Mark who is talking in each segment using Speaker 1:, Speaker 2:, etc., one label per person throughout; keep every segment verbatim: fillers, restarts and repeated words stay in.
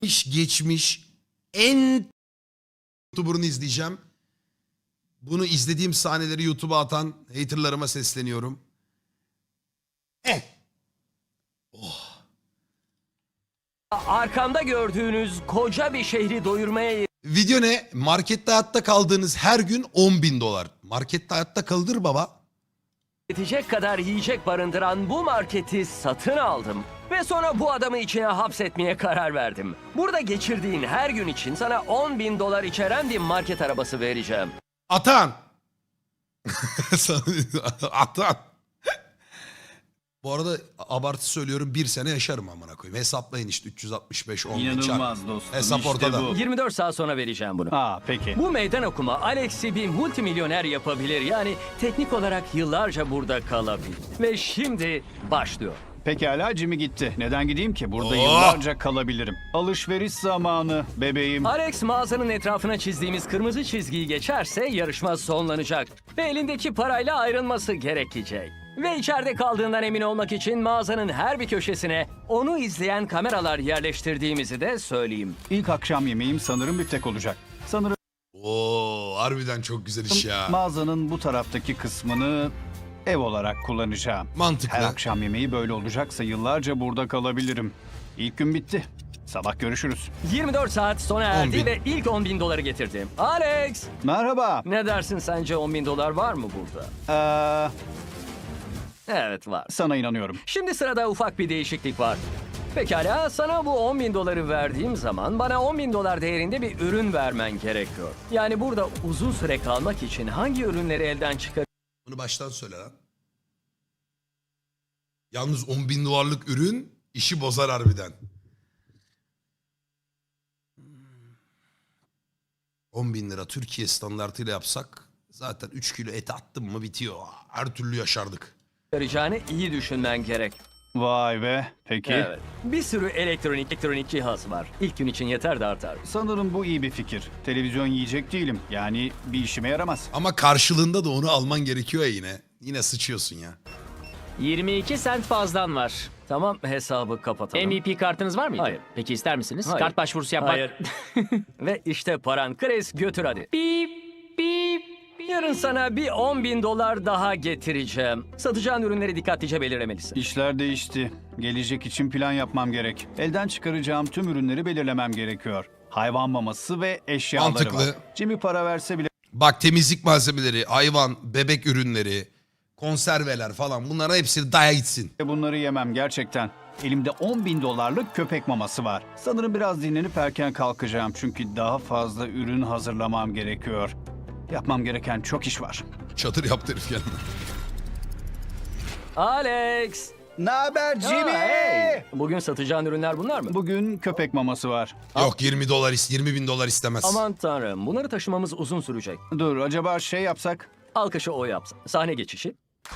Speaker 1: geçmiş en YouTuber'ını izleyeceğim. Bunu izlediğim sahneleri YouTube'a atan haterlarıma sesleniyorum. Eh. Oh.
Speaker 2: Arkamda gördüğünüz koca bir şehri doyurmaya
Speaker 1: Video ne? Markette hayatta kaldığınız her gün on bin dolar. Markette hayatta kaldır baba.
Speaker 2: yetecek kadar yiyecek barındıran bu marketi satın aldım. Ve sonra bu adamı içine hapsetmeye karar verdim. Burada geçirdiğin her gün için sana on bin dolar içeren bir market arabası vereceğim.
Speaker 1: Atan. Atan. Bu arada abartı söylüyorum, bir sene yaşarım amına koyayım. Hesaplayın işte üç yüz altmış beş on.
Speaker 3: İnanılmaz dostum.
Speaker 1: Hesap
Speaker 3: işte
Speaker 1: ortada.
Speaker 3: bu.
Speaker 2: yirmi dört saat sonra vereceğim bunu.
Speaker 3: Aa peki.
Speaker 2: Bu meydan okuma Alex'i bir multimilyoner yapabilir. Yani teknik olarak yıllarca burada kalabilir. Ve şimdi başlıyor.
Speaker 3: Pekala Jimmy gitti. Neden gideyim ki? Burada
Speaker 1: Oh!
Speaker 3: yıllarca kalabilirim. Alışveriş zamanı bebeğim.
Speaker 2: Alex mağazanın etrafına çizdiğimiz kırmızı çizgiyi geçerse yarışma sonlanacak. Ve elindeki parayla ayrılması gerekecek. Ve içeride kaldığından emin olmak için mağazanın her bir köşesine onu izleyen kameralar yerleştirdiğimizi de söyleyeyim.
Speaker 3: İlk akşam yemeğim sanırım biftek olacak. Sanırım
Speaker 1: Oo, harbiden çok güzel iş ya.
Speaker 3: mağazanın bu taraftaki kısmını ev olarak kullanacağım.
Speaker 1: Mantıklı.
Speaker 3: Her akşam yemeği böyle olacaksa yıllarca burada kalabilirim. İlk gün bitti. Sabah görüşürüz.
Speaker 2: yirmi dört saat sona
Speaker 1: on
Speaker 2: erdi
Speaker 1: bin.
Speaker 2: ve ilk on bin doları getirdim. Alex!
Speaker 3: Merhaba.
Speaker 2: Ne dersin, sence on bin dolar var mı burada?
Speaker 3: Ee,
Speaker 2: Evet, var.
Speaker 3: sana inanıyorum.
Speaker 2: Şimdi sırada ufak bir değişiklik var. Pekala, sana bu on bin doları verdiğim zaman bana on bin dolar değerinde bir ürün vermen gerekiyor. Yani burada uzun süre kalmak için hangi ürünleri elden çıkar?
Speaker 1: Bunu baştan söyle lan. Yalnız on bin dolarlık ürün işi bozar harbiden. on bin lira Türkiye standartıyla yapsak zaten üç kilo et attım mı bitiyor. Her türlü yaşardık.
Speaker 2: Çıkaracağını iyi düşünmen gerek.
Speaker 3: Vay be. Peki.
Speaker 2: Evet. Bir sürü elektronik elektronik cihaz var. İlk gün için yeter de artar.
Speaker 3: Sanırım bu iyi bir fikir. Televizyon yiyecek değilim. Yani bir işime yaramaz.
Speaker 1: Ama karşılığında da onu alman gerekiyor ya yine. Yine sıçıyorsun ya.
Speaker 4: yirmi iki sent fazlan var.
Speaker 2: Tamam, hesabı kapatalım.
Speaker 4: M V P kartınız var mıydı?
Speaker 2: Hayır.
Speaker 4: Peki ister misiniz?
Speaker 2: Hayır.
Speaker 4: Kart başvurusu yapmak.
Speaker 2: Hayır. Ve işte paran. Chris, götür hadi.
Speaker 4: Bip bip.
Speaker 2: Yarın sana bir on bin dolar daha getireceğim. Satacağın ürünleri dikkatlice belirlemelisin.
Speaker 3: İşler değişti. Gelecek için plan yapmam gerek. Elden çıkaracağım tüm ürünleri belirlemem gerekiyor. Hayvan maması ve eşyaları
Speaker 1: Mantıklı.
Speaker 3: var. Jimmy para verse bile
Speaker 1: Bak, temizlik malzemeleri, hayvan, bebek ürünleri, konserveler falan, bunların hepsini daya gitsin.
Speaker 3: bunları yemem gerçekten. Elimde on bin dolarlık köpek maması var. Sanırım biraz dinlenip erken kalkacağım. Çünkü daha fazla ürün hazırlamam gerekiyor. Yapmam gereken çok iş var.
Speaker 1: Çadır yaptı herif kendine.
Speaker 2: Alex!
Speaker 3: Ne haber
Speaker 2: Aa, hey! Bugün satacağın ürünler bunlar mı?
Speaker 3: Bugün köpek maması var.
Speaker 1: Yok, yirmi dolar, is- yirmi bin dolar istemez.
Speaker 2: Aman tanrım, bunları taşımamız uzun sürecek.
Speaker 3: Dur acaba şey yapsak?
Speaker 2: Alkışı o yapsın. Sahne geçişi.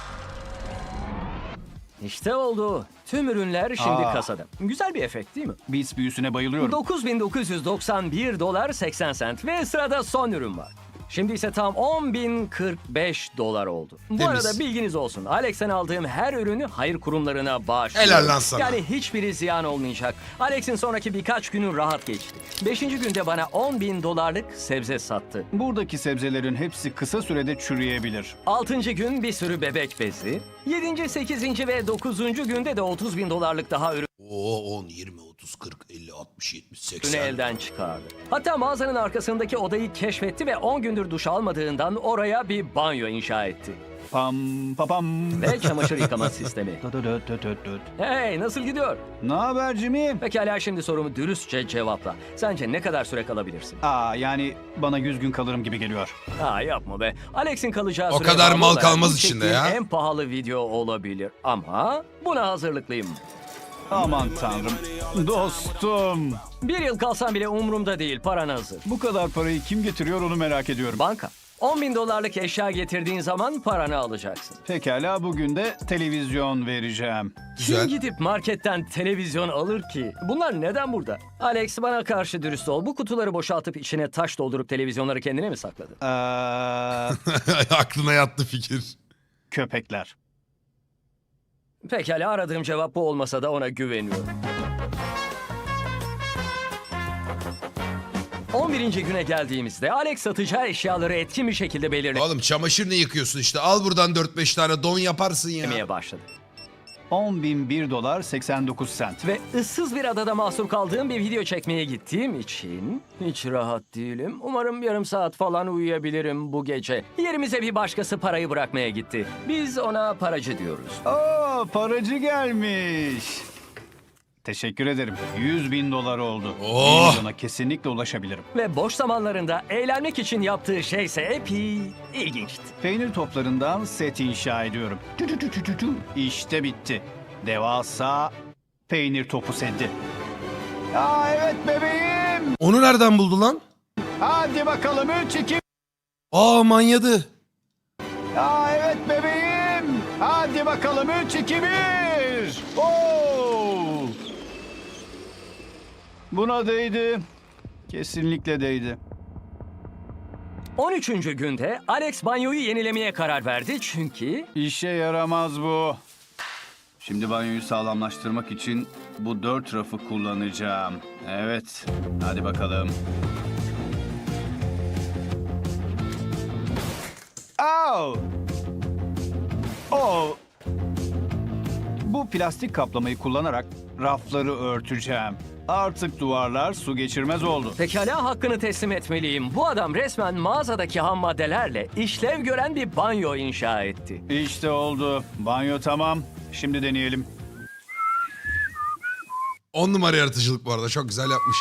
Speaker 2: İşte oldu. Tüm ürünler şimdi
Speaker 3: Aa.
Speaker 2: kasada. Güzel bir efekt değil mi?
Speaker 3: Beats büyüsüne bayılıyorum.
Speaker 2: dokuz bin dokuz yüz doksan bir dolar seksen sent ve sırada son ürün var. Şimdi ise tam on bin kırk beş dolar oldu. Bu
Speaker 1: Temiz.
Speaker 2: arada bilginiz olsun. Alex'ten aldığım her ürünü hayır kurumlarına bağışlıyorum.
Speaker 1: Helal lan sana.
Speaker 2: Yani hiçbiri ziyan olmayacak. Alex'in sonraki birkaç günü rahat geçti. Beşinci günde bana on bin dolarlık sebze sattı.
Speaker 3: Buradaki sebzelerin hepsi kısa sürede çürüyebilir.
Speaker 2: Altıncı gün bir sürü bebek bezi. Yedinci, sekizinci ve dokuzuncu günde de otuz bin dolarlık daha ürün
Speaker 1: Oo, on, yirmi, otuz, kırk, elli, altmış, yetmiş,
Speaker 2: Ürünü
Speaker 1: seksen.
Speaker 2: elden çıkardı. Hatta mağazanın arkasındaki odayı keşfetti ve on gündür duş almadığından oraya bir banyo inşa etti.
Speaker 3: Pam papam.
Speaker 2: Ve çamaşır yıkama sistemi. Hey, nasıl gidiyor?
Speaker 3: Ne haber Jimmy?
Speaker 2: Pekala, şimdi sorumu dürüstçe cevapla. Sence ne kadar süre kalabilirsin?
Speaker 3: Aa yani bana yüz gün kalırım gibi geliyor.
Speaker 2: Ha, yapma be. Alex'in kalacağı
Speaker 1: O
Speaker 2: süre
Speaker 1: kadar
Speaker 2: bağlı
Speaker 1: mal
Speaker 2: olarak
Speaker 1: kalmaz
Speaker 2: bu
Speaker 1: içinde
Speaker 2: çektiğim
Speaker 1: ya.
Speaker 2: En pahalı video olabilir ama buna hazırlıklıyım.
Speaker 3: Aman tanrım. Dostum.
Speaker 2: Bir yıl kalsam bile umurumda değil, paran hazır.
Speaker 3: Bu kadar parayı kim getiriyor onu merak ediyorum.
Speaker 2: Banka. on bin dolarlık eşya getirdiğin zaman paranı alacaksın.
Speaker 3: Pekala bugün de televizyon vereceğim.
Speaker 1: Güzel.
Speaker 2: Kim gidip marketten televizyon alır ki? Bunlar neden burada? Alex, bana karşı dürüst ol. Bu kutuları boşaltıp içine taş doldurup televizyonları kendine mi sakladın?
Speaker 3: Ee,
Speaker 1: Aklına yattı fikir.
Speaker 3: köpekler.
Speaker 2: Pekala, aradığım cevap bu olmasa da ona güveniyorum. on birinci güne geldiğimizde Alex satacağı eşyaları etkin bir şekilde belirlemeye
Speaker 1: Oğlum çamaşır ne yıkıyorsun işte? Al buradan dört beş tane don yaparsın ya.
Speaker 2: başladı.
Speaker 3: on bin bir dolar seksen dokuz sent.
Speaker 2: Ve ıssız bir adada mahsur kaldığım bir video çekmeye gittiğim için hiç rahat değilim. Umarım yarım saat falan uyuyabilirim bu gece. Yerimize bir başkası parayı bırakmaya gitti. Biz ona paracı diyoruz.
Speaker 3: Aa, paracı gelmiş. Teşekkür ederim. yüz bin dolar oldu.
Speaker 1: Oh!
Speaker 3: Bir milyona kesinlikle ulaşabilirim.
Speaker 2: Ve boş zamanlarında eğlenmek için yaptığı şeyse epey ilginçti.
Speaker 3: Peynir toplarından set inşa ediyorum. Tü tü tü tü tü tü. İşte bitti. Devasa peynir topu seti. Aa evet bebeğim.
Speaker 1: Onu nereden buldu lan?
Speaker 3: Hadi bakalım üç iki.
Speaker 1: Aa manyadı.
Speaker 3: Aa evet bebeğim. Hadi bakalım üç iki bir. Oo! Buna değdi. Kesinlikle değdi.
Speaker 2: on üçüncü günde Alex banyoyu yenilemeye karar verdi çünkü
Speaker 3: İşe yaramaz bu. Şimdi banyoyu sağlamlaştırmak için bu dört rafı kullanacağım. Evet. Hadi bakalım. Au! Oh! Bu plastik kaplamayı kullanarak rafları örteceğim. Artık duvarlar su geçirmez oldu.
Speaker 2: pekala hakkını teslim etmeliyim. Bu adam resmen mağazadaki ham maddelerle işlev gören bir banyo inşa etti.
Speaker 3: İşte oldu. Banyo tamam. Şimdi deneyelim.
Speaker 1: On numara yaratıcılık bu arada. Çok güzel yapmış.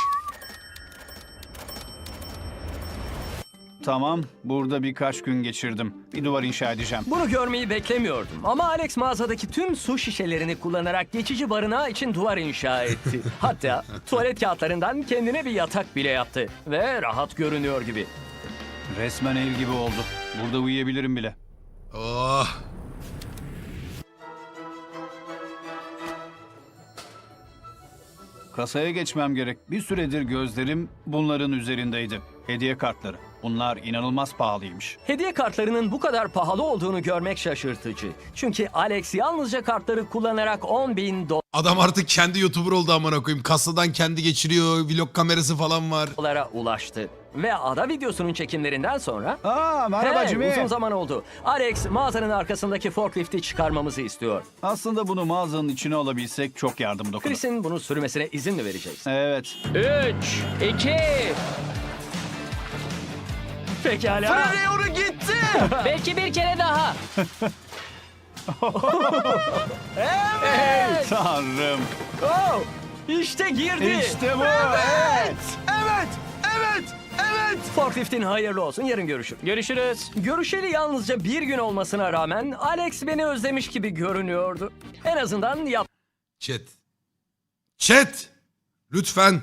Speaker 3: Tamam. Burada birkaç gün geçirdim. Bir duvar inşa edeceğim.
Speaker 2: Bunu görmeyi beklemiyordum ama Alex mağazadaki tüm su şişelerini kullanarak geçici barınağı için duvar inşa etti. Hatta tuvalet kağıtlarından kendine bir yatak bile yaptı ve rahat görünüyor gibi.
Speaker 3: Resmen ev gibi oldu. Burada uyuyabilirim bile.
Speaker 1: Oh.
Speaker 3: Kasaya geçmem gerek. Bir süredir gözlerim bunların üzerindeydi. Hediye kartları. Bunlar inanılmaz pahalıymış.
Speaker 2: Hediye kartlarının bu kadar pahalı olduğunu görmek şaşırtıcı. Çünkü Alex yalnızca kartları kullanarak on bin
Speaker 1: Adam artık kendi YouTuber oldu amına koyayım. Kasadan kendi geçiriyor. Vlog kamerası falan var.
Speaker 2: dolara ulaştı. Ve ada videosunun çekimlerinden sonra...
Speaker 3: Aa merhaba
Speaker 2: Hey,
Speaker 3: Jimmy.
Speaker 2: uzun zaman oldu. Alex mağazanın arkasındaki forklifti çıkarmamızı istiyor.
Speaker 3: Aslında bunu mağazanın içine alabilsek çok yardım dokunur.
Speaker 2: Chris'in bunu sürmesine izin mi vereceğiz?
Speaker 3: Evet.
Speaker 4: üç, iki.
Speaker 2: Pekala.
Speaker 4: Belki bir kere daha.
Speaker 2: Evet.
Speaker 3: Tanrım.
Speaker 2: Oh, işte girdi.
Speaker 3: İşte bu. Evet.
Speaker 1: Evet. Evet. Evet.
Speaker 2: Forkliftin hayırlı olsun. Yarın görüşürüz.
Speaker 4: Görüşürüz.
Speaker 2: Görüşeli yalnızca bir gün olmasına rağmen Alex beni özlemiş gibi görünüyordu. En azından
Speaker 1: Chat. Chat. Lütfen.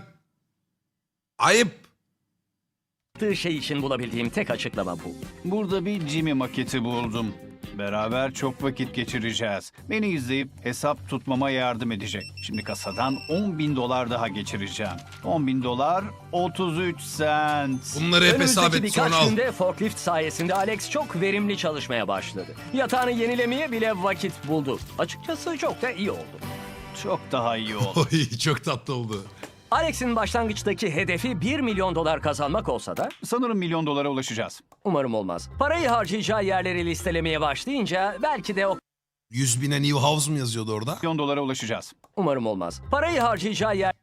Speaker 1: Ayıp.
Speaker 2: yaptığı şey için bulabildiğim tek açıklama bu.
Speaker 3: Burada bir Jimmy maketi buldum. Beraber çok vakit geçireceğiz. Beni izleyip hesap tutmama yardım edecek. Şimdi kasadan on bin dolar daha geçireceğim. on bin dolar otuz üç sent.
Speaker 1: Bunları hep hesap
Speaker 2: Önümüzdeki
Speaker 1: et sonra
Speaker 2: birkaç
Speaker 1: al.
Speaker 2: günde forklift sayesinde Alex çok verimli çalışmaya başladı. Yatağını yenilemeye bile vakit buldu. Açıkçası çok da iyi oldu.
Speaker 3: Çok daha iyi oldu.
Speaker 1: Oy, çok tatlı oldu.
Speaker 2: Alex'in başlangıçtaki hedefi bir milyon dolar kazanmak olsa da
Speaker 3: Sanırım milyon dolara ulaşacağız.
Speaker 2: umarım olmaz. Parayı harcayacağı yerleri listelemeye başlayınca belki de o
Speaker 1: yüz bine New House mu yazıyordu orada?
Speaker 3: Milyon dolara ulaşacağız.
Speaker 2: umarım olmaz. Parayı harcayacağı yer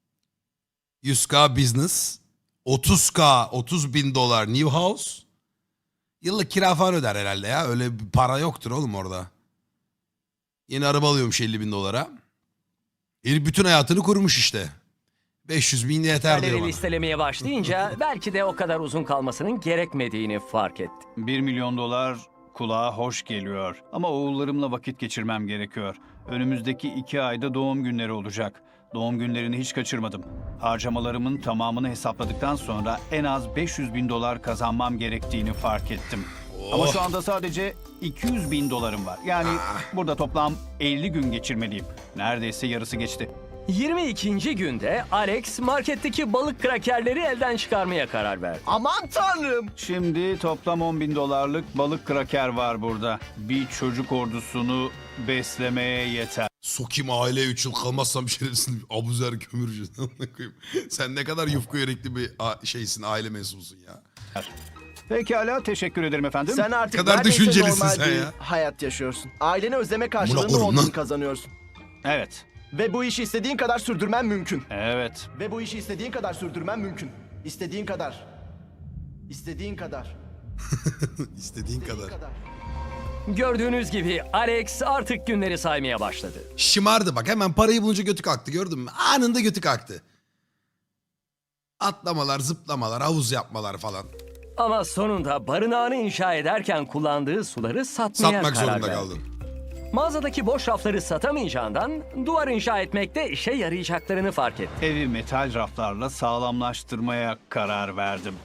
Speaker 1: yüz K business. otuz K, otuz bin dolar New House. Yıllık kira falan öder herhalde ya. Öyle bir para yoktur oğlum orada. Yeni araba alıyormuş elli bin dolara. Herif bütün hayatını kurmuş işte. beş yüz bin yeter diyor
Speaker 2: yerleri
Speaker 1: bana.
Speaker 2: listelemeye başlayınca belki de o kadar uzun kalmasının gerekmediğini fark etti.
Speaker 3: bir milyon dolar kulağa hoş geliyor. Ama oğullarımla vakit geçirmem gerekiyor. Önümüzdeki iki ayda doğum günleri olacak. Doğum günlerini hiç kaçırmadım. Harcamalarımın tamamını hesapladıktan sonra en az beş yüz bin dolar kazanmam gerektiğini fark ettim. Ama şu anda sadece iki yüz bin dolarım var. Yani burada toplam elli gün geçirmeliyim. Neredeyse yarısı geçti.
Speaker 2: yirmi ikinci günde Alex marketteki balık krakerleri elden çıkarmaya karar verdi.
Speaker 5: Aman tanrım.
Speaker 3: Şimdi toplam on bin dolarlık balık kraker var burada. Bir çocuk ordusunu beslemeye yeter.
Speaker 1: Sokayım aileye üç yıl kalmazsam şerefsin abuzer kömürcü. Sen ne kadar yufka yürekli bir a- şeysin, aile mensubusun ya.
Speaker 3: Pekala, teşekkür ederim efendim.
Speaker 5: Sen artık
Speaker 1: kadar
Speaker 5: neredeyse
Speaker 1: düşüncelisin
Speaker 5: normal
Speaker 1: sen
Speaker 5: bir
Speaker 1: ya.
Speaker 5: hayat yaşıyorsun. Aileni özleme karşılığında
Speaker 1: koyayım
Speaker 5: on
Speaker 1: lan.
Speaker 5: bin kazanıyorsun.
Speaker 3: Evet,
Speaker 5: Ve bu işi istediğin kadar sürdürmen mümkün.
Speaker 3: evet.
Speaker 5: Ve bu işi istediğin kadar sürdürmen mümkün. İstediğin kadar. İstediğin kadar.
Speaker 1: İstediğin kadar.
Speaker 5: kadar.
Speaker 2: Gördüğünüz gibi Alex artık günleri saymaya başladı.
Speaker 1: Şımardı bak, hemen parayı bulunca götü kalktı, gördün mü? Anında götü kalktı. Atlamalar, zıplamalar, havuz yapmalar falan.
Speaker 2: Ama sonunda barınağını inşa ederken kullandığı suları satmaya
Speaker 1: Satmak
Speaker 2: karar
Speaker 1: zorunda
Speaker 2: verdi.
Speaker 1: kaldın.
Speaker 2: Mağazadaki boş rafları satamayacağından duvar inşa etmekte işe yarayacaklarını fark etti.
Speaker 3: Evi metal raflarla sağlamlaştırmaya karar verdim.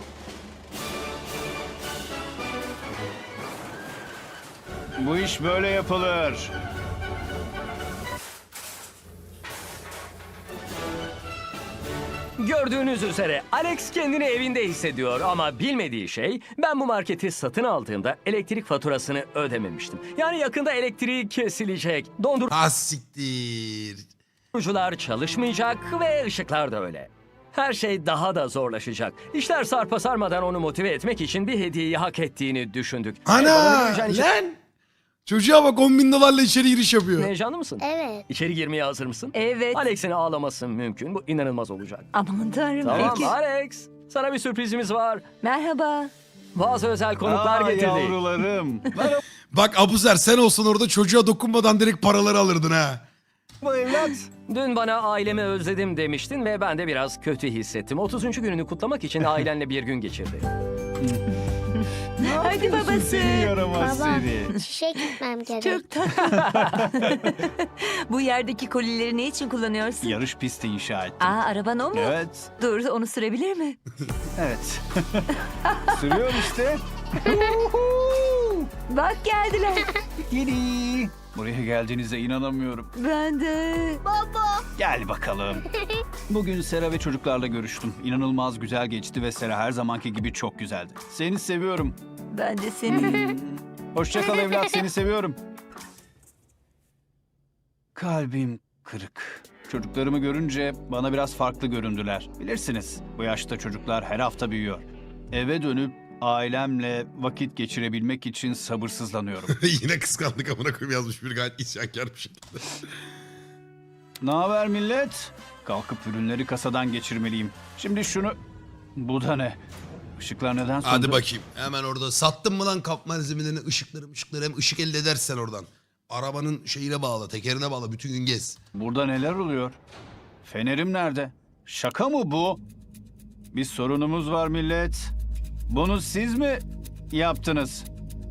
Speaker 3: Bu iş böyle yapılır.
Speaker 2: Gördüğünüz üzere Alex kendini evinde hissediyor ama bilmediği şey, ben bu marketi satın aldığımda elektrik faturasını ödememiştim. Yani yakında elektriği kesilecek,
Speaker 1: Ha siktir.
Speaker 2: dondurucular çalışmayacak ve ışıklar da öyle. Her şey daha da zorlaşacak. İşler sarpa sarmadan onu motive etmek için bir hediyeyi hak ettiğini düşündük.
Speaker 1: Ana
Speaker 2: Bana göreceğin için-
Speaker 1: lan. Çocuğa bak, on bin dolarla içeri giriş yapıyor.
Speaker 2: Heyecanlı mısın?
Speaker 6: Evet.
Speaker 2: İçeri girmeye hazır mısın?
Speaker 7: Evet.
Speaker 2: Alex'in ağlaması mümkün. Bu inanılmaz olacak.
Speaker 7: Aman tanrım.
Speaker 2: Tamam
Speaker 7: Peki.
Speaker 2: Alex. Sana bir sürprizimiz var.
Speaker 7: Merhaba.
Speaker 2: Bazı özel konuklar
Speaker 3: Aa,
Speaker 2: getirdik.
Speaker 3: yavrularım.
Speaker 1: Bak Abuzer, sen olsan orada çocuğa dokunmadan direkt paraları alırdın ha.
Speaker 3: Bu evlat.
Speaker 2: Dün bana ailemi özledim demiştin ve ben de biraz kötü hissettim. otuzuncu gününü kutlamak için ailenle bir gün geçirdi.
Speaker 7: Hadi babası.
Speaker 3: Seni yaramaz
Speaker 6: Baba,
Speaker 3: seni.
Speaker 6: işe gitmem gerek.
Speaker 7: Çok tatlı. Bu yerdeki kolileri ne için kullanıyorsun?
Speaker 3: Yarış pisti inşa ettim.
Speaker 7: Aa, araban o mu?
Speaker 3: Evet,
Speaker 7: Dur, onu sürebilir mi?
Speaker 3: evet. Sürüyor işte.
Speaker 7: Bak geldiler.
Speaker 3: Yedi. Buraya geldiğinize inanamıyorum.
Speaker 7: Ben de.
Speaker 3: Gel bakalım. Bugün Sera ve çocuklarla görüştüm. İnanılmaz güzel geçti ve Sera her zamanki gibi çok güzeldi. Seni seviyorum.
Speaker 7: Ben de seni.
Speaker 3: Hoşça kal evlat, seni seviyorum. Kalbim kırık. Çocuklarımı görünce bana biraz farklı göründüler. Bilirsiniz, bu yaşta çocuklar her hafta büyüyor. Eve dönüp ailemle vakit geçirebilmek için sabırsızlanıyorum.
Speaker 1: Yine kıskandık amına koyayım yazmış bir, gayet isyankar bir şekilde.
Speaker 3: Ne haber millet? Kalkıp ürünleri kasadan geçirmeliyim. Şimdi şunu... Bu da ne? Işıklar neden söndü?
Speaker 1: Hadi bakayım. Hemen orada sattın mı lan kap malzemelerini, ışıkları ışıkları, hem ışık elde edersen oradan. Arabanın şeyine bağla, tekerine bağla, bütün gün gez.
Speaker 3: Burada neler oluyor? Fenerim nerede? Şaka mı bu? Bir sorunumuz var millet. Bunu siz mi yaptınız?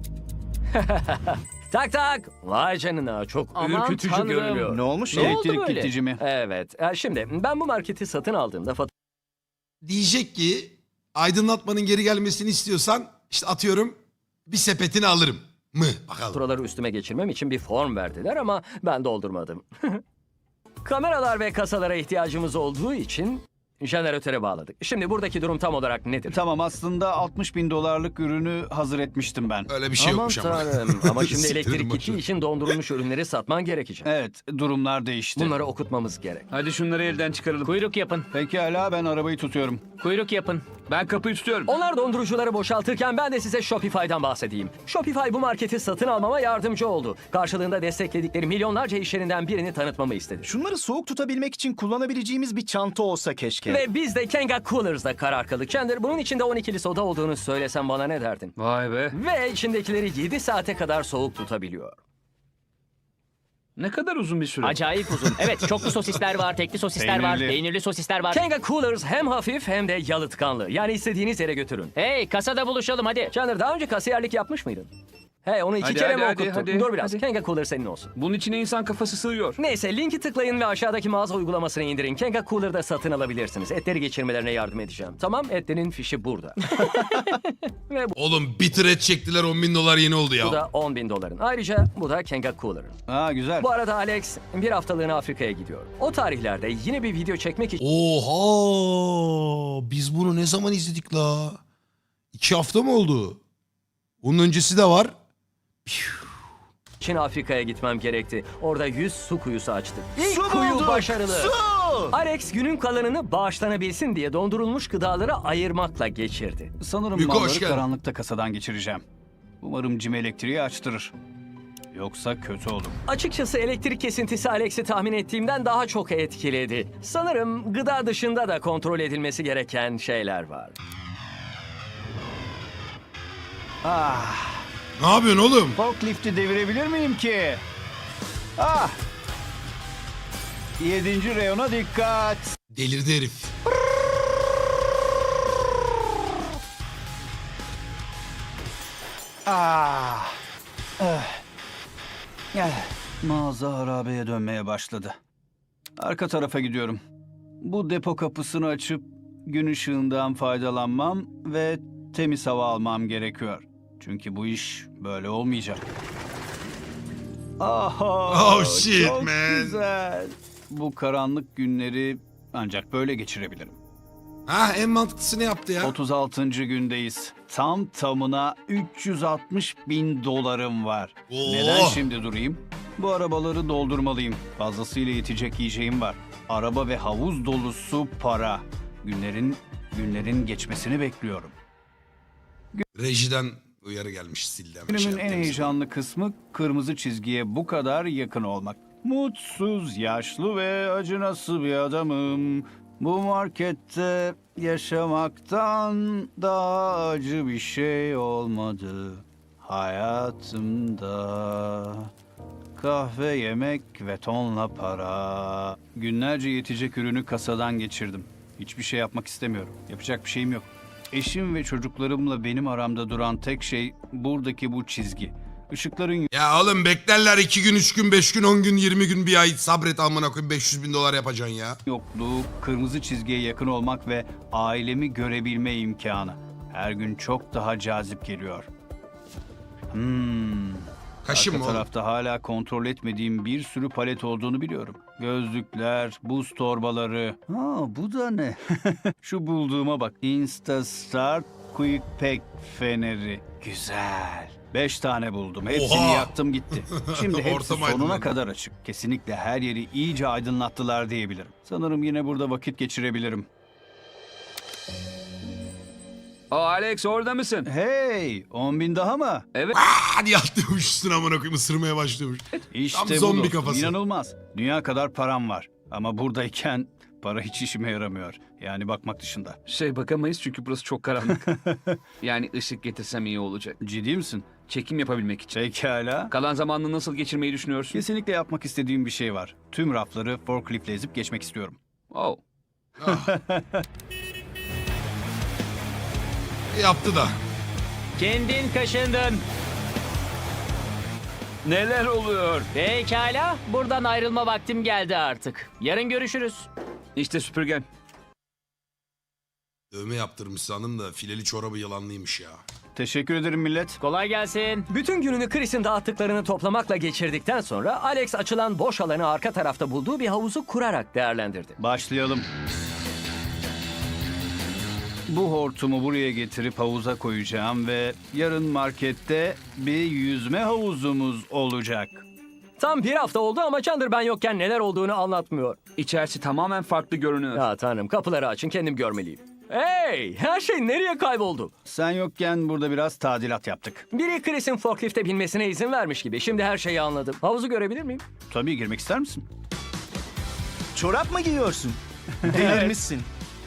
Speaker 2: Tak tak. Vay canına, çok
Speaker 4: Aman
Speaker 2: ürkütücü
Speaker 4: tanrım.
Speaker 2: görünüyor.
Speaker 5: Ne olmuş?
Speaker 2: Ne oldu
Speaker 3: Elektrik
Speaker 2: böyle?
Speaker 3: gidici mi?
Speaker 2: Evet. E, Şimdi ben bu marketi satın aldığımda
Speaker 1: Diyecek ki aydınlatmanın geri gelmesini istiyorsan işte atıyorum bir sepetini alırım mı? Bakalım.
Speaker 2: faturaları üstüme geçirmem için bir form verdiler ama ben doldurmadım. Kameralar ve kasalara ihtiyacımız olduğu için jeneratöre bağladık. Şimdi buradaki durum tam olarak nedir?
Speaker 3: Tamam, aslında altmış bin dolarlık ürünü hazır etmiştim ben.
Speaker 1: Öyle bir şey
Speaker 2: Aman
Speaker 1: yokmuş ama.
Speaker 2: tanrım. Ama şimdi
Speaker 1: Siktirin
Speaker 2: elektrik
Speaker 1: boşver.
Speaker 2: gittiği için dondurulmuş ürünleri satman gerekecek.
Speaker 3: Evet, durumlar değişti.
Speaker 2: Bunları okutmamız gerek.
Speaker 4: Hadi şunları elden çıkaralım. Kuyruk yapın.
Speaker 3: Pekala, ben arabayı tutuyorum.
Speaker 4: Kuyruk yapın. Ben kapıyı tutuyorum.
Speaker 2: Onlar dondurucuları boşaltırken ben de size Shopify'dan bahsedeyim. Shopify bu marketi satın almama yardımcı oldu. Karşılığında destekledikleri milyonlarca iş yerinden birini tanıtmamı istedi.
Speaker 5: Şunları soğuk tutabilmek için kullanabileceğimiz bir çanta olsa keşke.
Speaker 2: Ve biz de Kenga Coolers'da karar kıldık. Chandler, bunun içinde on ikili soda olduğunu söylesem bana ne derdin?
Speaker 4: Vay be.
Speaker 2: Ve içindekileri yedi saate kadar soğuk tutabiliyor.
Speaker 4: Ne kadar uzun bir süre.
Speaker 8: Acayip uzun. Evet, çoklu sosisler var, tekli sosisler var,
Speaker 3: Peynirli.
Speaker 8: peynirli sosisler var.
Speaker 2: Kenga Coolers hem hafif hem de yalıtkanlı. Yani istediğiniz yere götürün.
Speaker 8: Hey, kasada buluşalım hadi.
Speaker 2: Chandler, daha önce kasiyerlik yapmış mıydın? Hey, onu iki
Speaker 4: Hadi,
Speaker 2: kere
Speaker 4: hadi,
Speaker 2: mi
Speaker 4: hadi,
Speaker 2: okuttun?
Speaker 4: hadi,
Speaker 2: Dur biraz.
Speaker 4: hadi.
Speaker 2: Kenga Cooler senin olsun.
Speaker 4: Bunun içine insan kafası sığıyor.
Speaker 2: Neyse, linki tıklayın ve aşağıdaki mağaza uygulamasını indirin. Kenga Cooler'da satın alabilirsiniz. Etleri geçirmelerine yardım edeceğim. Tamam, etlerin fişi burada. Ve
Speaker 1: Oğlum bitir et çektiler, on bin dolar yeni oldu
Speaker 2: bu
Speaker 1: ya.
Speaker 2: da on bin doların. Ayrıca bu da Kenga Cooler'ın.
Speaker 3: Ha, güzel.
Speaker 2: Bu arada Alex bir haftalığına Afrika'ya gidiyor. O tarihlerde yine bir video çekmek için
Speaker 1: Oha! Biz bunu ne zaman izledik la? İki hafta mı oldu? Bunun öncesi de var. Piu.
Speaker 2: için Afrika'ya gitmem gerekti. Orada yüz su kuyusu açtık. İlk
Speaker 5: Su
Speaker 2: kuyu
Speaker 5: bulduk,
Speaker 2: başarılı.
Speaker 5: su!
Speaker 2: Alex günün kalanını bağışlanabilsin diye dondurulmuş gıdaları ayırmakla geçirdi.
Speaker 3: Sanırım
Speaker 1: Miko, hoş
Speaker 3: malları
Speaker 1: geldin.
Speaker 3: karanlıkta kasadan geçireceğim. Umarım Jim elektriği açtırır. Yoksa kötü olur.
Speaker 2: Açıkçası elektrik kesintisi Alex'i tahmin ettiğimden daha çok etkiledi. Sanırım gıda dışında da kontrol edilmesi gereken şeyler var.
Speaker 3: Ah,
Speaker 1: Ne yapıyorsun oğlum?
Speaker 3: forklifti devirebilir miyim ki? Ah! Yedinci reyona dikkat.
Speaker 1: Delirdi herif.
Speaker 3: Ah! Eh. Eh. Mağaza harabeye dönmeye başladı. Arka tarafa gidiyorum. Bu depo kapısını açıp gün ışığından faydalanmam ve temiz hava almam gerekiyor. Çünkü bu iş böyle olmayacak. Aha,
Speaker 1: Oh, shit,
Speaker 3: çok
Speaker 1: man.
Speaker 3: güzel. Bu karanlık günleri ancak böyle geçirebilirim.
Speaker 1: Ha, en mantıklısını yaptı ya.
Speaker 3: otuz altıncı gündeyiz. Tam tamına üç yüz altmış bin dolarım var.
Speaker 1: Oo.
Speaker 3: Neden şimdi durayım? Bu arabaları doldurmalıyım. Fazlasıyla yetecek yiyeceğim var. Araba ve havuz dolusu para. Günlerin günlerin geçmesini bekliyorum.
Speaker 1: Rejiden uyarı gelmiş, sildi hemen. şey
Speaker 3: Günümün en
Speaker 1: yaptı,
Speaker 3: heyecanlı kısmı kırmızı çizgiye bu kadar yakın olmak. Mutsuz, yaşlı ve acınası bir adamım. Bu markette yaşamaktan daha acı bir şey olmadı hayatımda. Kahve, yemek ve tonla para. Günlerce yetecek ürünü kasadan geçirdim. Hiçbir şey yapmak istemiyorum. Yapacak bir şeyim yok. Eşim ve çocuklarımla benim aramda duran tek şey buradaki bu çizgi. Işıkların
Speaker 1: Ya oğlum beklerler iki gün, üç gün, beş gün, on gün, yirmi gün, bir ay sabret amına koyayım, beş yüz bin dolar yapacaksın ya.
Speaker 3: yokluğu, kırmızı çizgiye yakın olmak ve ailemi görebilme imkanı. Her gün çok daha cazip geliyor. Hmm.
Speaker 1: Kaşın
Speaker 3: Arka
Speaker 1: mı oğlum?
Speaker 3: tarafta hala kontrol etmediğim bir sürü palet olduğunu biliyorum. Gözlükler, buz torbaları. Ha, bu da ne? Şu bulduğuma bak. Instastart Quick Pack feneri. Güzel. Beş tane buldum. Hepsini
Speaker 1: Oha!
Speaker 3: yaktım gitti. Şimdi hepsi
Speaker 1: Ortam
Speaker 3: sonuna
Speaker 1: aydınlandı.
Speaker 3: kadar açık. Kesinlikle her yeri iyice aydınlattılar diyebilirim. Sanırım yine burada vakit geçirebilirim.
Speaker 4: Aa, Alex orada mısın?
Speaker 3: Hey, on bin daha mı?
Speaker 4: Evet.
Speaker 1: Hadi yatlıyormuş üstüne amına koyayım, ısırmaya başlıyormuş.
Speaker 3: İşte
Speaker 1: Tam
Speaker 3: bu
Speaker 1: zombi
Speaker 3: dostum,
Speaker 1: kafası.
Speaker 3: İnanılmaz. Dünya kadar param var. Ama buradayken para hiç işime yaramıyor. Yani bakmak dışında.
Speaker 4: Şey bakamayız çünkü burası çok karanlık. Yani ışık getirsem iyi olacak.
Speaker 3: Ciddi misin?
Speaker 4: Çekim yapabilmek için.
Speaker 3: Pekala.
Speaker 4: Kalan zamanını nasıl geçirmeyi düşünüyorsun?
Speaker 3: Kesinlikle yapmak istediğim bir şey var. Tüm rafları forkliftle ezip geçmek istiyorum.
Speaker 4: Oh.
Speaker 1: Yaptı da.
Speaker 8: Kendin kaşındın.
Speaker 4: Neler oluyor?
Speaker 8: Pekala. Buradan ayrılma vaktim geldi artık. Yarın görüşürüz.
Speaker 4: İşte süpürgen.
Speaker 1: Dövme yaptırmış sandım da fileli çorabı yılanlıymış ya.
Speaker 3: Teşekkür ederim millet.
Speaker 8: Kolay gelsin.
Speaker 2: Bütün gününü Chris'in dağıttıklarını toplamakla geçirdikten sonra Alex açılan boş alanı arka tarafta bulduğu bir havuzu kurarak değerlendirdi.
Speaker 3: Başlayalım. Bu hortumu buraya getirip havuza koyacağım ve yarın markette bir yüzme havuzumuz olacak.
Speaker 2: Tam bir hafta oldu ama Chandler ben yokken neler olduğunu anlatmıyor.
Speaker 4: İçerisi tamamen farklı görünüyor.
Speaker 2: Ya tanrım, kapıları açın, kendim görmeliyim. Hey, her şey nereye kayboldu?
Speaker 3: Sen yokken burada biraz tadilat yaptık.
Speaker 2: Biri Chris'in forklifte binmesine izin vermiş gibi. Şimdi her şeyi anladım. Havuzu görebilir miyim?
Speaker 3: Tabii girmek ister misin?
Speaker 5: Çorap mı giyiyorsun? Delirmişsin.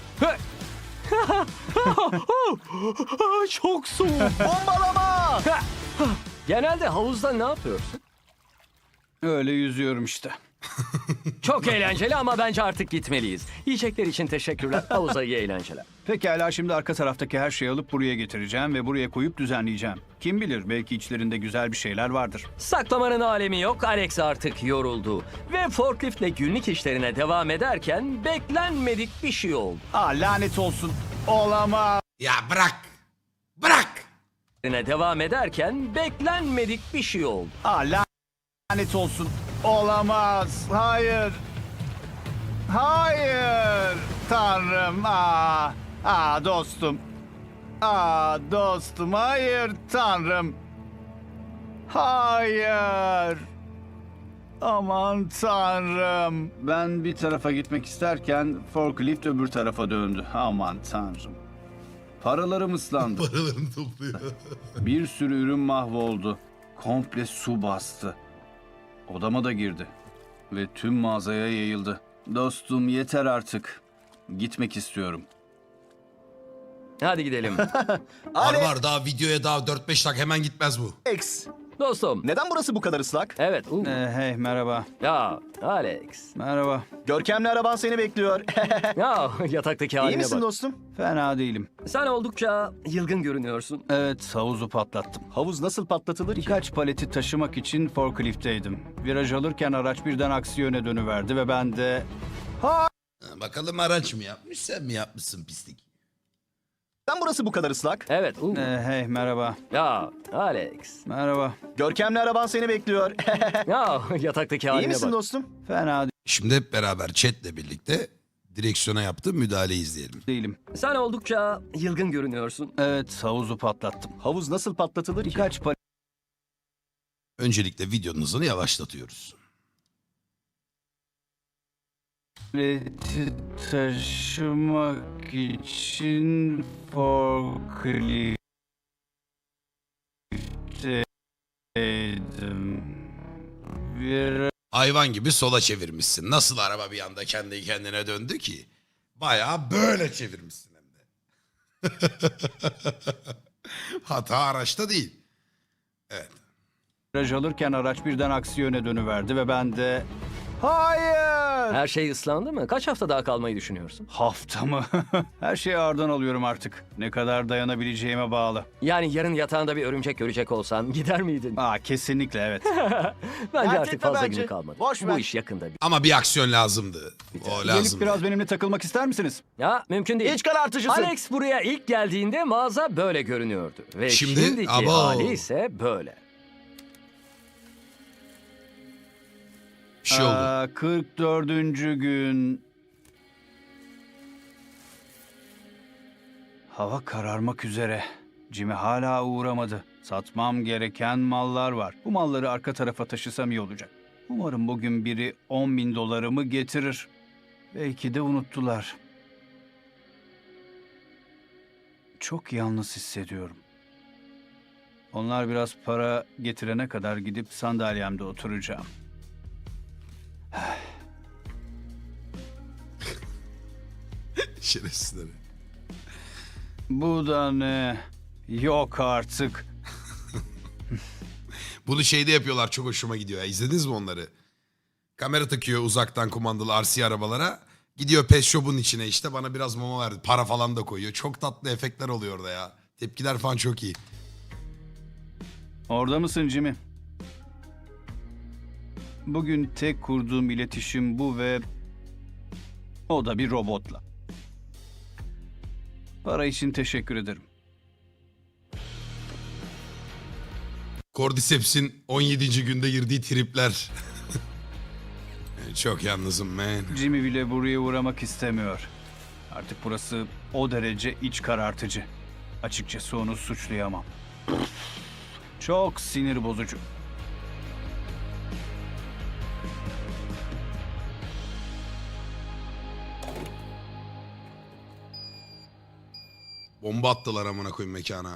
Speaker 2: Çok soğuk.
Speaker 5: Bombalama!
Speaker 2: Genelde havuzda ne yapıyorsun?
Speaker 3: Öyle yüzüyorum işte.
Speaker 2: Çok eğlenceli ama bence artık gitmeliyiz. Yiyecekler için teşekkürler. Havuza iyi eğlenceler.
Speaker 3: Pekala, şimdi arka taraftaki her şeyi alıp buraya getireceğim ve buraya koyup düzenleyeceğim. Kim bilir, belki içlerinde güzel bir şeyler vardır.
Speaker 2: Saklamanın alemi yok. Alex artık yoruldu. Ve forkliftle günlük işlerine devam ederken beklenmedik bir şey oldu.
Speaker 3: Aa, lanet olsun. Olamaz.
Speaker 1: Ya bırak. Bırak.
Speaker 2: İşlerine devam ederken beklenmedik bir şey oldu.
Speaker 3: Aa, lanet olsun. Olamaz. Hayır. Hayır. Tanrım. Aa, aa dostum. Aa dostum. Hayır Tanrım. Hayır. Aman tanrım. Ben bir tarafa gitmek isterken forklift öbür tarafa döndü. Aman tanrım. Paralarım ıslandı.
Speaker 1: Paralarını topluyor.
Speaker 3: Bir sürü ürün mahvoldu. Komple su bastı. Odama da girdi. Ve tüm mağazaya yayıldı. Dostum yeter artık. Gitmek istiyorum.
Speaker 2: Hadi gidelim.
Speaker 1: Var var daha videoya daha dört beş dakika hemen gitmez bu.
Speaker 5: Alex,
Speaker 2: Dostum.
Speaker 5: neden burası bu kadar ıslak?
Speaker 2: Evet. uh.
Speaker 3: Ee, hey merhaba.
Speaker 2: Ya Alex.
Speaker 3: Merhaba.
Speaker 5: Görkemli araban seni bekliyor.
Speaker 2: Ya yataktaki
Speaker 5: İyi
Speaker 2: haline
Speaker 5: misin
Speaker 2: bak.
Speaker 5: dostum?
Speaker 3: Fena değilim.
Speaker 2: Sen oldukça yılgın görünüyorsun.
Speaker 3: Evet havuzu patlattım.
Speaker 5: Havuz nasıl patlatılır ki?
Speaker 3: Birkaç paleti taşımak için forkliftteydim. Viraj alırken araç birden aksi yöne dönüverdi ve ben de...
Speaker 1: Ha, bakalım araç mı yapmış sen mi yapmışsın pislik?
Speaker 5: Neden burası bu kadar ıslak?
Speaker 2: Evet. uh.
Speaker 3: Ee, hey merhaba.
Speaker 2: Ya Alex.
Speaker 3: Merhaba.
Speaker 5: Görkemli araban seni bekliyor.
Speaker 2: Ya yataktaki
Speaker 5: İyi
Speaker 2: haline
Speaker 5: misin
Speaker 2: bak.
Speaker 5: dostum?
Speaker 3: Fena
Speaker 1: Şimdi hep beraber chatle birlikte direksiyona yaptığı müdahaleyi izleyelim.
Speaker 3: değilim.
Speaker 2: Sen oldukça yılgın görünüyorsun.
Speaker 3: Evet havuzu patlattım.
Speaker 5: Havuz nasıl patlatılır ki?
Speaker 3: Birkaç
Speaker 1: Öncelikle videonun hızını yavaşlatıyoruz.
Speaker 3: paleti taşımak için forkliftteydim. Viraj
Speaker 1: Hayvan gibi sola çevirmişsin. Nasıl araba bir anda kendi kendine döndü ki? Bayağı böyle çevirmişsin hem de. Hata araçta değil. Evet.
Speaker 3: Viraj alırken araç birden aksi yöne dönüverdi ve ben de... Hayır!
Speaker 2: Her şey ıslandı mı? Kaç hafta daha kalmayı düşünüyorsun?
Speaker 3: Hafta mı? Her şeyi ağırdan alıyorum artık. Ne kadar dayanabileceğime bağlı.
Speaker 2: Yani yarın yatağında bir örümcek görecek olsan gider miydin?
Speaker 3: Aa kesinlikle evet.
Speaker 2: Bence
Speaker 5: Dert
Speaker 2: artık
Speaker 5: etme
Speaker 2: fazla
Speaker 5: bence.
Speaker 2: günü kalmadı.
Speaker 5: Boş
Speaker 2: Bu
Speaker 5: ver.
Speaker 2: iş yakında. bir-
Speaker 1: Ama bir aksiyon lazımdı. O
Speaker 3: Gelip
Speaker 1: lazım.
Speaker 3: biraz benimle takılmak ister misiniz?
Speaker 2: Ya mümkün değil.
Speaker 5: İç karartıcısın.
Speaker 2: Alex buraya ilk geldiğinde mağaza böyle görünüyordu. Ve
Speaker 1: Şimdi-
Speaker 2: şimdiki
Speaker 1: Abo.
Speaker 2: hali ise böyle.
Speaker 1: Bir şey oldu.
Speaker 3: Aa, kırk dördüncü gün... Hava kararmak üzere. Jimmy hala uğramadı. Satmam gereken mallar var. Bu malları arka tarafa taşısam iyi olacak. Umarım bugün biri on bin dolarımı getirir. Belki de unuttular. Çok yalnız hissediyorum. Onlar biraz para getirene kadar gidip sandalyemde oturacağım.
Speaker 1: Şerefsizleri.
Speaker 3: Bu da ne? Yok artık.
Speaker 1: Bunu şeyde yapıyorlar, çok hoşuma gidiyor ya. İzlediniz mi onları? Kamera takıyor uzaktan kumandalı R C arabalara. Gidiyor pet shop'un içine, işte bana biraz mama verdi. Para falan da koyuyor. Çok tatlı efektler oluyor orada ya. Tepkiler falan çok iyi.
Speaker 3: Orada mısın Jimmy? Bugün tek kurduğum iletişim bu ve o da bir robotla. Para için teşekkür ederim.
Speaker 1: Cordyceps'in on yedinci günde girdiği tripler. Çok yalnızım man.
Speaker 3: Jimmy bile buraya uğramak istemiyor. Artık burası o derece iç karartıcı. Açıkçası onu suçlayamam. Çok sinir bozucu.
Speaker 1: Bomba attılar amına koyayım mekana.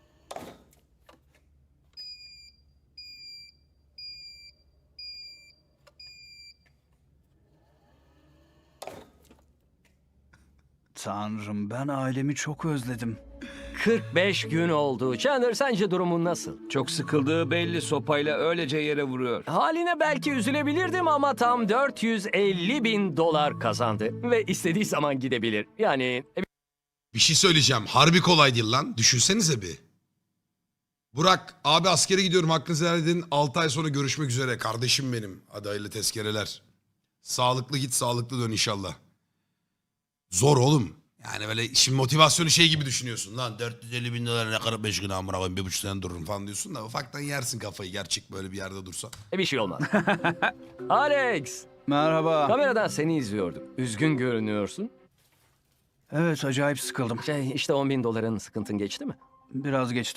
Speaker 3: Tanrım ben ailemi çok özledim.
Speaker 2: kırk beş gün oldu. Chandler sence durumun nasıl?
Speaker 4: Çok sıkıldığı belli, sopayla öylece yere vuruyor.
Speaker 2: Haline belki üzülebilirdim ama tam dört yüz elli bin dolar kazandı. Ve istediği zaman gidebilir. Yani
Speaker 1: Bir şey söyleyeceğim. Harbi kolay değil lan. Düşünsenize bir. Burak abi askere gidiyorum, hakkınızı helal edin. altı ay sonra görüşmek üzere. Kardeşim benim. Hadi hayırlı tezkereler. Sağlıklı git, sağlıklı dön inşallah. Zor oğlum. Yani böyle şimdi motivasyonu şey gibi düşünüyorsun. Lan dört yüz elli bin dolar ne kadar beş gün amına koyayım, bir buçuk sene dururum falan diyorsun da ufaktan yersin kafayı, gerçek böyle bir yerde dursa.
Speaker 2: bir şey olmaz. Alex,
Speaker 3: Merhaba.
Speaker 2: kameradan seni izliyordum. Üzgün görünüyorsun.
Speaker 3: Evet acayip sıkıldım.
Speaker 2: Şey işte on bin doların sıkıntın geçti mi?
Speaker 3: Biraz geçti.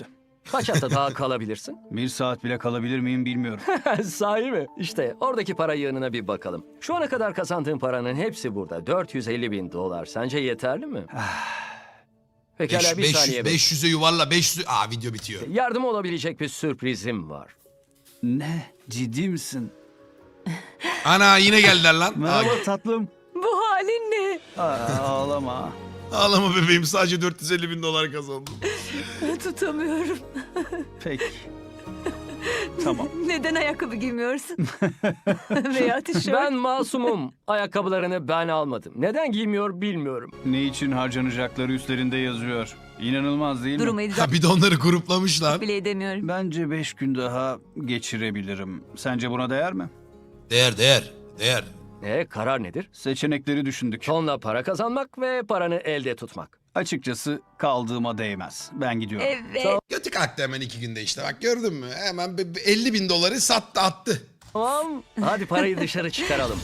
Speaker 2: Kaç hafta daha kalabilirsin?
Speaker 3: Bir saat bile kalabilir miyim bilmiyorum.
Speaker 2: Sahi mi? İşte oradaki para yığınına bir bakalım. Şu ana kadar kazandığın paranın hepsi burada. dört yüz elli bin dolar. Sence yeterli mi? Pekala bir saniye. bekle.
Speaker 1: beş yüze yuvarla beş yüz. Aa video bitiyor.
Speaker 2: Yardım olabilecek bir sürprizim var.
Speaker 3: Ne? Ciddi misin?
Speaker 1: Ana yine geldiler lan.
Speaker 3: Merhaba
Speaker 1: Aa,
Speaker 3: tatlım.
Speaker 7: Bu halin ne?
Speaker 3: Aa, ağlama.
Speaker 1: ağlama bebeğim, sadece dört yüz elli bin dolar kazandım.
Speaker 7: Tutamıyorum.
Speaker 3: Peki. Tamam.
Speaker 7: Neden ayakkabı giymiyorsun? Veya tişört.
Speaker 2: Ben masumum. Ayakkabılarını ben almadım. Neden giymiyor bilmiyorum.
Speaker 3: Ne için harcanacakları üstlerinde yazıyor. İnanılmaz değil mi?
Speaker 7: Durumu idrak
Speaker 1: Ha bir de onları gruplamışlar.
Speaker 7: bile edemiyorum.
Speaker 3: Bence beş gün daha geçirebilirim. Sence buna değer mi?
Speaker 1: Değer değer değer.
Speaker 2: E karar nedir?
Speaker 3: Seçenekleri düşündük.
Speaker 2: Tonla para kazanmak ve paranı elde tutmak.
Speaker 3: Açıkçası kaldığıma değmez. Ben gidiyorum.
Speaker 7: Evet.
Speaker 1: Götü kalktı hemen iki günde işte, bak gördün mü? Hemen be- be- elli bin doları sattı attı.
Speaker 2: Tamam. Hadi parayı dışarı çıkaralım.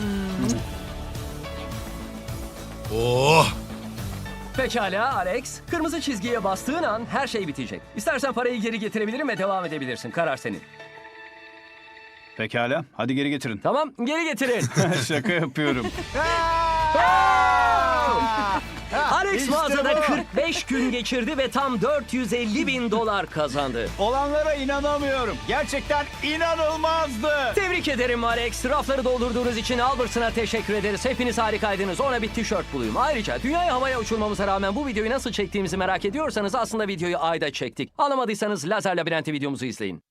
Speaker 1: Oh.
Speaker 2: Pekala Alex. Kırmızı çizgiye bastığın an her şey bitecek. İstersen parayı geri getirebilirim ve devam edebilirsin. Karar senin.
Speaker 3: Pekala. Hadi geri getirin.
Speaker 2: Tamam, geri getirin.
Speaker 3: Şaka yapıyorum.
Speaker 2: Alex
Speaker 3: İşte
Speaker 2: mağazada
Speaker 3: bu.
Speaker 2: kırk beş gün geçirdi ve tam dört yüz elli bin dolar kazandı.
Speaker 3: Olanlara inanamıyorum. Gerçekten inanılmazdı.
Speaker 2: Tebrik ederim Alex. Rafları doldurduğunuz için Albertson'a teşekkür ederiz. Hepiniz harikaydınız. Ona bir tişört bulayım. Ayrıca dünyayı havaya uçurmamıza rağmen bu videoyu nasıl çektiğimizi merak ediyorsanız aslında videoyu ayda çektik. Anlamadıysanız Lazer Labirenti videomuzu izleyin.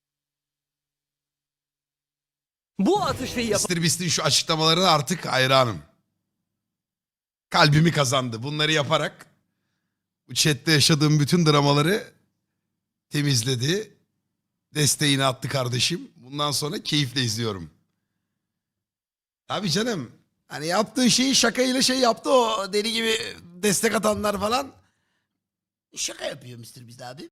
Speaker 2: Bu atışlıyı yapan
Speaker 1: mister Beast'in şu açıklamalarına artık hayranım. Kalbimi kazandı. Bunları yaparak bu chatte yaşadığım bütün dramaları temizledi. Desteğini attı kardeşim. Bundan sonra keyifle izliyorum. Abi canım, hani yaptığı şeyi şakayla şey yaptı, o deli gibi destek atanlar falan. Şaka yapıyor mister Beast abi.